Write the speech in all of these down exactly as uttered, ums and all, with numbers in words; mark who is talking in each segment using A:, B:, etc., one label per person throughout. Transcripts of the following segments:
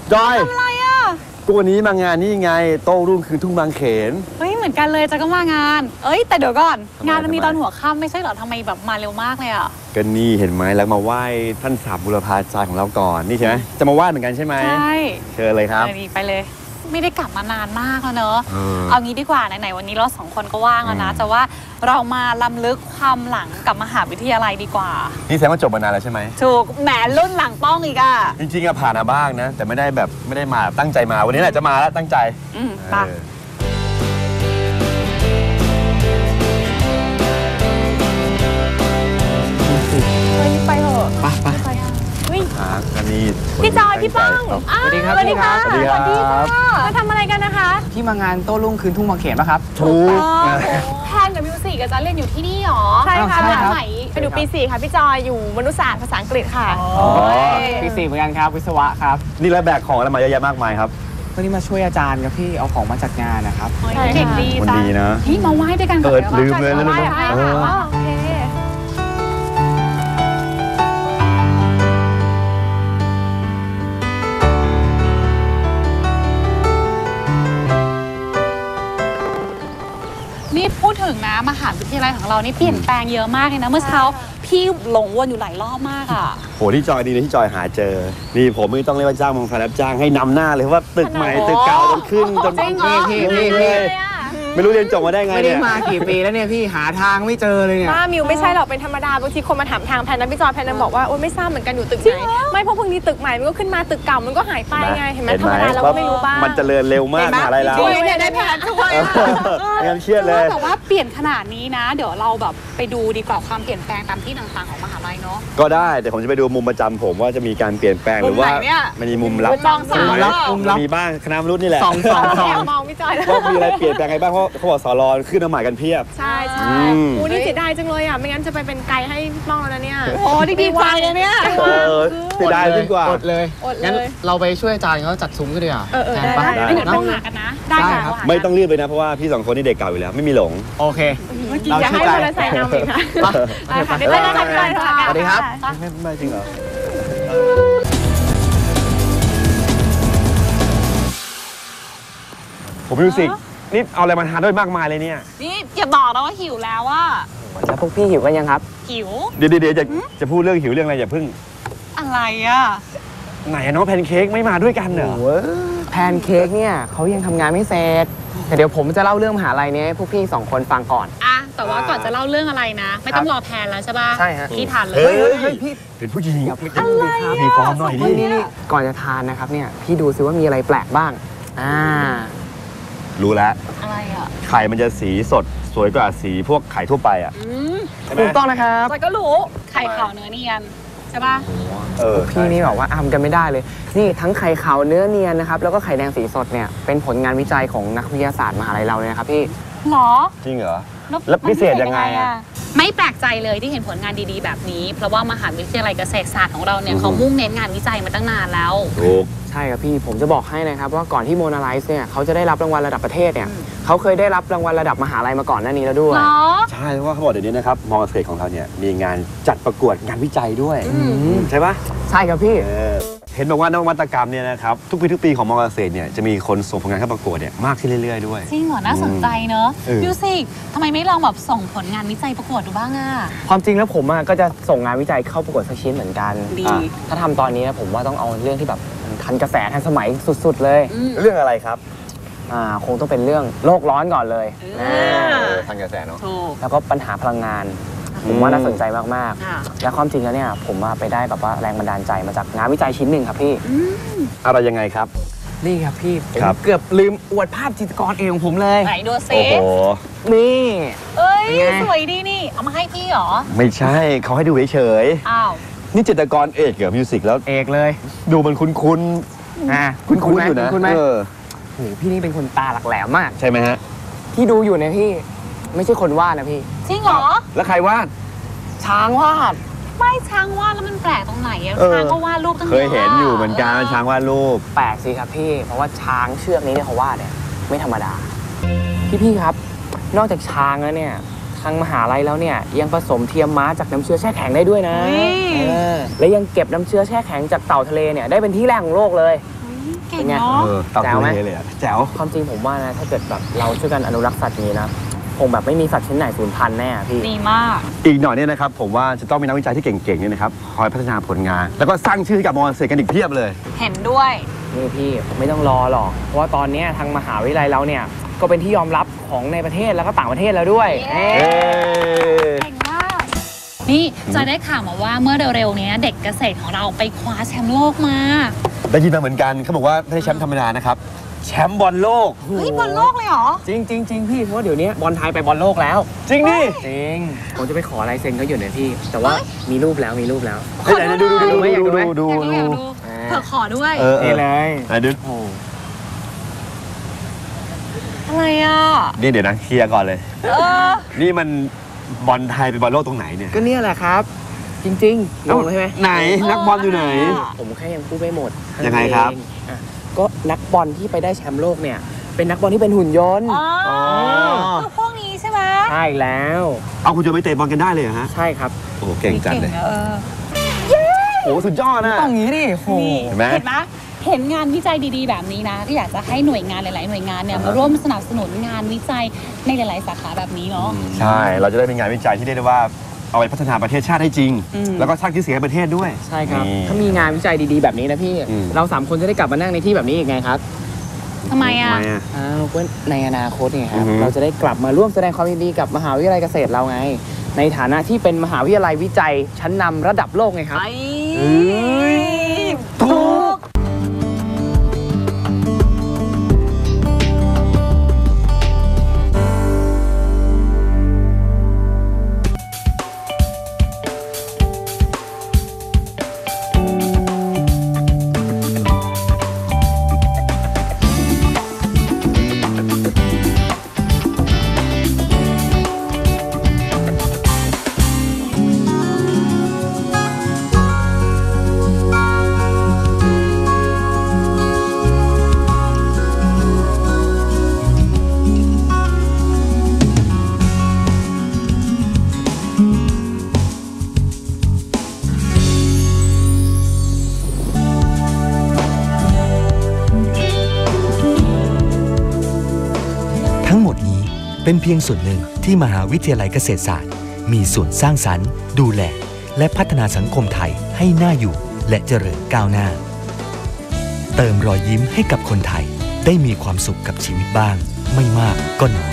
A: จอย
B: ทำอะไรอ่ะ
A: กูวันนี้มางานนี่ไงโต้รุ่งคืนทุ่งบางเขน
B: เฮ้ยเหมือนกันเลยจะก็มางานเอ้ยแต่เดี๋ยวก่อนงานมันมีตอนหัวค่ำไม่ใช่เหรอทำไมแบบมาเร็วมากเลยอ่ะ
A: ก็นี่เห็นไหมแล้วมาไหว้ท่านสามบุรพาจารย์ของเราก่อนนี่ใช่ไหมจะมาไหว้เหมือนกันใช่ไหม
B: ใช่
A: เชิญเลยครับ
B: ไปเลยไม่ได้กลับมานานมากแล้วเนอะเอางี้ดีกว่าไหนๆวันนี้เราสองคนก็ว่างแล้วนะจะว่าเรามาล้ำลึกความหลังกับมหาวิทยาลัยดีกว่า
A: นี่แสดงว่าจบมานานแล้วใช่ไหม
B: ถูกแหมรุ่นหลังป้องอีกอ่ะ
A: จริงๆอะผ่านมาบ้างนะแต่ไม่ได้แบบไม่ได้มาตั้งใจมาวันนี้แหละจะมาแล้วตั้งใจ
B: อืมไปไปเถอะ
A: ไปไปกันนี่
B: พี่จอยพี่ป้อง
C: สวัสดีครับสวัสดีครับ
A: สวัสดีครับ
B: มาทำอะไรกันนะคะ
C: ที่มางานโต้รุ่งคืนทุ่งบางเขนป่ะครับ
A: ถูก
B: แพนกับมิวสิกจะเรียนอยู่ที่นี่หรอ
D: ใช่ค่ะ
B: ไหน
D: ไปดูปีสี่ค่ะพี่จอยอยู่มนุษยศาสตร์ภาษาอังกฤษค่ะ
C: ปีสี่เหมือนกันครับวิศวะครับ
A: นี่แล้วแบกของอะไรมาเยอะแยะมากมายครับ
C: วันนี้มาช่วยอาจารย์ครับพี่เอาของมาจัดงานนะครับ
B: เด็กดี
A: จ้ะดีนะ
B: นี่มาไหว้ด้วยกัน
A: เออลืมเลยนะ
D: ลืมโอเค
B: นี่พูดถึงนะมหาวิทยาลัยของเรานี่เปลี่ยนแปลงเยอะมากเลยนะเมื่อเช้าพี่หลงวนอยู่หลายรอบมากอ่ะ
A: โหที่จอยดีเลยที่จอยหาเจอนี่ผมไม่ต้องเรียกว่าจ้างมองฟ้ารับจ้างให้นำหน้าเลยว่าตึกใหม่ตึกเก่าจนขึ้นจน
C: พี่พี่พี่พี่
A: ไม่รู้เรียนจบมาได้ไง
C: เนี่ยไม่ได้มากี่ปีแล้วเนี่ยพี่หาทางไม่เจอเลยเนี่ย
D: ป้ามิวไม่ใช่หรอกเป็นธรรมดาบางทีคนมาถามทางแพนนั้นพี่จอยแพนนั้นบอกว่าโอ๊ยไม่ทราบเหมือนกันอยู่ตึกไหนไม่เพราะพวกนี้ตึกใหม่มันก็ขึ้นมาตึกเก่ามันก็หายไปไงเห็นไหมธรรมดาเราก็ไม่รู้บ้าง
A: มันเจริญเร็วมากอะไรแล้ว
D: เนี่ยได้แพนช่วย
A: งานเครียดเลย
B: แต่ว่าเปลี่ยนขนาดนี้นะเดี๋ยวเราแบบไปดูดีกว่าความเปลี่ยนแปลงตามที่ต่างๆของมหาลัยเนาะ
A: ก็ได้แต่ผมจะไปดูมุมประจำผมว่าจะมีการเปลี่ยนแปลงหรือว่ามันมีมุมลับ
D: มุม
A: ลับมุมลับมีบ้างคณะมนุษย์นี่แหละ
C: สองสองสอง
D: มองพี่จอย
A: ว่ามีอะไรเปลี่ยนแปลงไงบ้างเพราะเขาบอกสอรอขึ้นมาใหม่กันเพียบ
D: ใช่ใช่โอ้นี่เสียดายจังเลยอ่ะไม่งั้นจะไปเป็นไกด์ให้ป้องแล้วนะเนี่ย
B: โอ้ดีใจเลยเนี่ย
A: เสียดายยิ่งกว่า
C: อดเลยงั้นเราไปช่วยอาจารย์เขาจัดซุ้มกันดีกว่า
D: เออ
B: ได้ได้เดี๋ยวต้องหากันนะได้ค่ะ
A: ไม่ต้องรีบเลยนะเพราะว่าพี่สองคนนี่เด็กเก่าอยู่แล้วไม่มีหลง
C: โอเค
D: เราอยากให้มอเตอร์ไซค์นำอีกค่ะ
B: ได้ค่ะได้ค่ะ
C: สวัสดีครับ
A: ไม่จริงเหรอผมมิวสิกนี่เอาอะไรมาทานด้วยมากมายเลยเนี่ย
B: นี่อย่าบอกนะว่าหิวแล้วว่า
C: แล้วพวกพี่หิวกันยังครับ
B: หิว
A: เดี๋ยวเดี๋ยวจะจะพูดเรื่องหิวเรื่องอะไรอย่าพึ่ง
B: อะไรอ่ะ
A: ไหนน้องแพนเค้กไม่มาด้วยกันเหรอ
C: แพนเค้กเนี่ยเขายังทำงานไม่เสร็จแต่เดี๋ยวผมจะเล่าเรื่องมหาลัยนี้ให้พวกพี่สองคนฟังก่อน
B: อ่ะแต่ว่าก่อนจะเล่าเรื่องอะไรนะไม่ต้องรอแพนแล้วใช่ป่ะ
C: ใช่ฮะ
B: พี่ทานเลย
A: เฮ้ยพี่เป็นผู้หญิง
B: อะไร
A: มีฟอร์มหน่อย
C: นี่นี่ก่อนจะทานนะครับเนี่ยพี่ดูซิว่ามีอะไรแปลกบ้างอ่า
A: รู้แล้ว
B: อะไรอ่ะ
A: ไข่มันจะสีสดสวยกว่าสีพวกไข่ทั่วไปอ่ะ
C: ถูกต้องนะครับ
B: จอยก็รู้ไข่ขาวเนื้อเนียนใช่ป่ะ
A: เออ
C: พี่นี่บอกว่าอ้ำกันไม่ได้เลยนี่ทั้งไข่ขาวเนื้อเนียนนะครับแล้วก็ไข่แดงสีสดเนี่ยเป็นผลงานวิจัยของนักวิทยาศาสตร์มหาลัยเราเลยนะครับพี่
B: หรอ
A: จริงเหรอแล้วพิเศษยังไงอ่ะ
B: ไม่แปลกใจเลยที่เห็นผลงานดีๆแบบนี้เพราะว่ามหาวิทยาลัยเกษตรศาสตร์ของเราเนี่ยเขามุ่งเน้นงานวิจัยมาตั้งนานแล้ว
A: ถูก
C: ใช่ครับพี่ผมจะบอกให้นะครับว่าก่อนที่โมนาไลซ์เนี่ยเขาจะได้รับรางวัลระดับประเทศเนี่ยเขาเคยได้รับรางวัลระดับมหาลัยมาก่อนหน้านี้แล้วด้วย
A: ใช่เพราะว่าเขาบอกเดี๋ยวนี้นะครับมอเกษตรของเราเนี่ยมีงานจัดประกวดงานวิจัยด้วยใช่ปะ
C: ใช่ครับพี่
A: เห็นบอกว่านวัตกรรมเนี่ยนะครับทุกปีทุกปีของมอเกษตรเนี่ยจะมีคนส่งผลงานเข้าประกวดเนี่ยมากขึ้นเรื่อยๆด้วย
B: จริงเหรอน่าสนใจเนอะมิวสิกทำไมไม่ลองแบบส่งผลงานวิจัยประกวดดูบ้างอ่ะ
C: ความจริงแล้วผมก็จะส่งงานวิจัยเข้าประกวดสักชิ้นเหมือนกันถ้าทำตอนนี้นะผมว่าต้องเอาเรื่องที่แบบทันกระแสทันสมัยสุดๆเลย
A: เรื่องอะไรครับ
C: อ่าคงต้องเป็นเรื่องโลกร้อนก่อนเลย
A: ทันกระแสเนาะ
C: แล้วก็ปัญหาพลังงานผมว่าน่าสนใจมากๆและความจริงแล้วเนี่ยผมไปได้แบบว่าแรงบันดาลใจมาจากงานวิจัยชิ้นหนึ่งครับพี่
A: อะไรยังไงครับ
C: นี่ครับพี่ผมเกือบลืมอวดภาพจิตรกรเองของผมเลย
B: ไหนดูซิ
A: โอ้โห
C: นี่
B: เอ้ยสวยดีนี่เอามาให้พี่เหรอ
A: ไม่ใช่เขาให้ดูเฉย
B: ๆอ้าว
A: นี่จิตรกรเอกเหรอมิวสิกแล้ว
C: เอกเลย
A: ดูมันคุ้นๆอ่าคุ้นๆอยู่นะ
C: คุ้นไหมโอ้โหพี่นี่เป็นคนตาหลักแหลมมาก
A: ใช่ไหมฮะ
C: ที่ดูอยู่เนี่ยพี่ไม่ใช่คนวาดนะพี่
B: จริงเหรอ
A: แล้วใครวาด
C: ช้างวาด
B: ไม่ช้างวาดแล้วมันแปลกตรงไหนอะช้างก็วาดรูปตั้งเยอะ
A: เคยเห็นอยู่เหมือนกันช้างวาดรูป
C: แปลกสิครับพี่เพราะว่าช้างเชือกนี้เนี่ยเขาวาดเนี่ยไม่ธรรมดาพี่ๆครับนอกจากช้างแล้วเนี่ยทางมหาลัยแล้วเนี่ยยังผสมเทียมม้าจากน้ำเชื้อแช่แข็งได้ด้วยนะและยังเก็บน้ำเชื้อแช่แข็งจากเต่าทะเลเนี่ยได้เป็นที่แรกของโลกเลย
B: เก่งเนาะ
A: เออตอบ
C: แจ๋วไหม
A: เลยอะแจ๋ว
C: ความจริงผมว่านะถ้าเกิดแบบเราช่วยกันอนุรักษ์สัตว์นี้นะคงแบบไม่มีสัตว์ชนิดไหนสูญพันธุ์แน่อะพี่
B: ดีมาก
A: อีกหน่อยเนี่ยนะครับผมว่าจะต้องมีนักวิจัยที่เก่งๆเนี่ยนะครับคอยพัฒนาผลงาน แล้วก็สร้างชื่อให้กับมอเกษตรกันอีกเพียบเลย
B: เห็นด้วย
C: นี่พี่ไม่ต้องรอหรอกเพราะว่าตอนเนี้ยทางมหาวิทยาลัยเราเนี่ยก็เป็นที่ยอมรับของในประเทศแล้วก็ต่างประเทศแล้วด้วย
B: เย้
C: เอ๊ะ
B: เก่งมาก นี่จอยได้ข่าวมาว่าเมื่อเร็วๆนี้เด็กเกษตรของเราไปคว้าแชมป์โลกมา
A: ได้ยินมาเหมือนกันเขาบอกว่าไม่ใช่แชมป์ธรรมดานะครับแชมป์บอลโลก
B: เฮ้ยบอลโลกเลยเหรอ
C: จริงจริงจริงพี่เพราะว่าเดี๋ยวนี้บอลไทยไปบอลโลกแล้ว
A: จริงดิ
C: จริงผมจะไปขอลายเซ็นเขาอยู่เนี่ยพี่ แต่ว่ามีรูปแล้วมีรูปแล้ว
A: เฮ้ยไหนๆดูดูดูดูดูดูดู
B: อยาก
A: ดู
B: อยากดูเธอขอด้วย
A: เออเอ
C: นี่
A: อ
C: เลย
A: ไหนดู
C: โอ้
B: อะไรอ่ะ
A: นี่เดี๋ยวนะเคลียร์ก่อนเลย
B: เออ
A: นี่มันบอลไทยไปบอลโลกตรงไหนเนี่ย
C: ก็เนี่ยแหละครับ จริงๆงงใช่ไหม
A: ไหนนักบอลอยู่ไหน
C: ผมแค่ยังพูดไม่หมด
A: ยังไงครับ
C: เองอ่ะก็นักบอลที่ไปได้แชมป์โลกเนี่ยเป็นนักบอลที่เป็นหุ่นยนต์
B: อ๋อ
A: อ๋อ
B: คือพวกนี้ใช่ไหม
C: ใช่แล้ว
A: เอาคุณจะไปเตะบอลกันได้เลยเหรอฮะ
C: ใช่ครับ
A: โอ้โหเก่งจัดเลย
B: นะเออ
A: โอ้โหสุดยอดนะ
C: ต้องงี้ดิโห
B: นี่
A: เห็นไหม
B: เห็นไหมเห็นงานวิจัยดีๆ แบบนี้นะก็อยากจะให้หน่วยงานหลาย ๆ หน่วยงานเนี่ย
A: อ่าฮะ
B: มาร่วมสนับสนุนงานวิจัยในหลาย ๆ สาขาแบบนี้เนาะ
A: ใช่ เราจะได้เป็นงานวิจัยที่เรียกได้ว่าเอาไปพัฒนาประเทศชาติให้จริง
B: อืม
A: แล้วก็สร้างชื่อเสียงให้ประเททศด้วย
C: ใช่ครับ
A: นี่
C: ถ้ามีงานวิจัยดีๆแบบนี้นะพี่
A: อืม
C: เราสามคนจะได้กลับมานั่งในที่แบบนี้อีกไงครับ
B: ทำไมอ่ะ
A: ทำไมอ่ะ
C: อ้าวก็ในอนาคตไงครับ
A: อือฮึ
C: เราจะได้กลับมาร่วมแสดงความยินดีกับมหาวิทยาลัยเกษตรเราไง ในฐานะที่เป็นมหาวิทยาลัยวิจัยชั้นนำระดับโลกไงครับ
B: ไอ้
A: ถูก
E: ทั้งหมดนี้เป็นเพียงส่วนหนึ่งที่มหาวิทยาลัยเกษตรศาสตร์มีส่วนสร้างสรรค์ ดูแล และพัฒนาสังคมไทยให้น่าอยู่และเจริญก้าวหน้า เติมรอยยิ้มให้กับคนไทยได้มีความสุขกับชีวิตบ้าง ไม่มากก็น้อย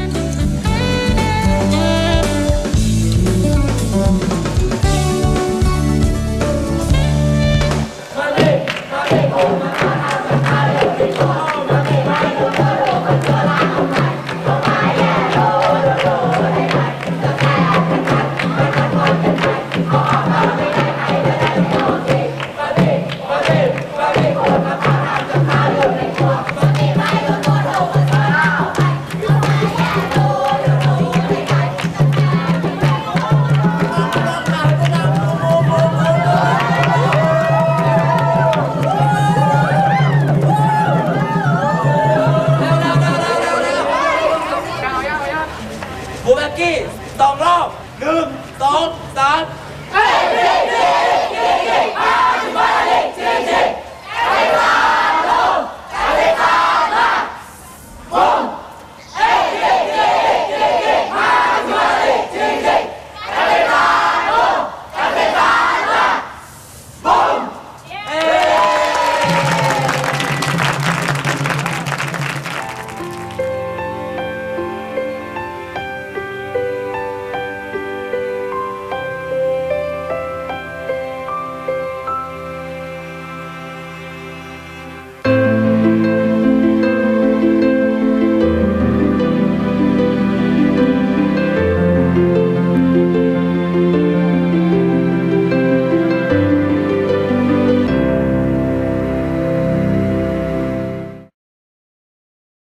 F: บูแม็กกี้สองรอบหนึ่งสองสาม